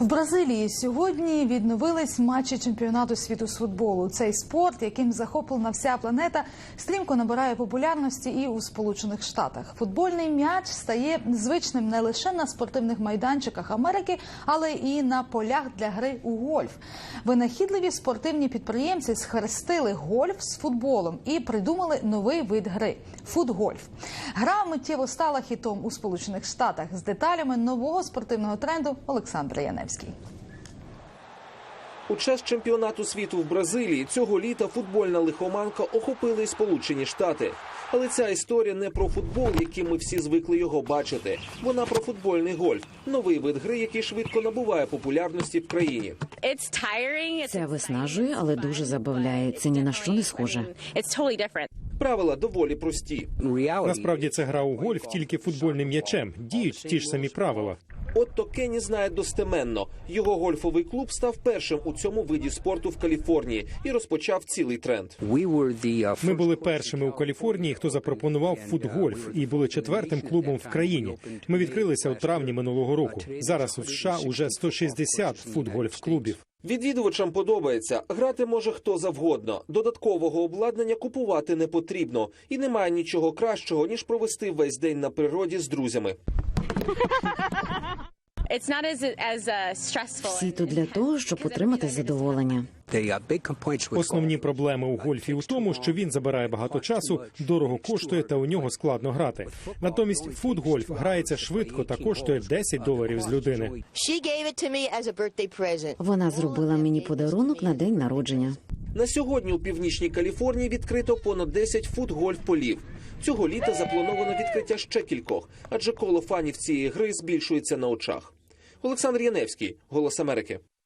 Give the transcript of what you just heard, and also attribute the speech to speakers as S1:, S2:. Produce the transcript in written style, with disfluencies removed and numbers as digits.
S1: В Бразилії сьогодні відновились матчі чемпіонату світу з футболу. Цей спорт, яким захоплена вся планета, стрімко набирає популярності і у Сполучених Штатах. Футбольний м'яч стає звичним не лише на спортивних майданчиках Америки, але і на полях для гри у гольф. Винахідливі спортивні підприємці схрестили гольф з футболом і придумали новий вид гри – футгольф. Гра миттєво стала хітом у Сполучених Штатах. З деталями нового спортивного тренду Олександр Яневський.
S2: У час чемпіонату світу в Бразилії цього літа футбольна лихоманка охопила й Сполучені Штати. Але ця історія не про футбол, яким ми всі звикли його бачити. Вона про футбольний гольф – новий вид гри, який швидко набуває популярності в країні.
S3: Це виснажує, але дуже забавляє. Це ні на що не схоже.
S2: Правила доволі прості.
S4: Насправді це гра у гольф тільки футбольним м'ячем. Діють ті ж самі правила.
S2: Отто Кенні знає достеменно. Його гольфовий клуб став першим у цьому виді спорту в Каліфорнії і розпочав цілий тренд.
S4: Ми були першими у Каліфорнії, хто запропонував футгольф, і були четвертим клубом в країні. Ми відкрилися у травні минулого року. Зараз у США уже 160 футгольф-клубів.
S2: Відвідувачам подобається. Грати може хто завгодно. Додаткового обладнання купувати не потрібно. І немає нічого кращого, ніж провести весь день на природі з друзями.
S3: Всі тут для того, щоб отримати задоволення.
S4: Основні проблеми у гольфі у тому, що він забирає багато часу, дорого коштує та у нього складно грати. Натомість футгольф грається швидко та коштує $10 з людини.
S3: Вона зробила мені подарунок на день народження.
S2: На сьогодні у Північній Каліфорнії відкрито понад 10 футгольф-полів. Цього літа заплановано відкриття ще кількох, адже коло фанів цієї гри збільшується на очах. Олександр Яневський, «Голос Америки».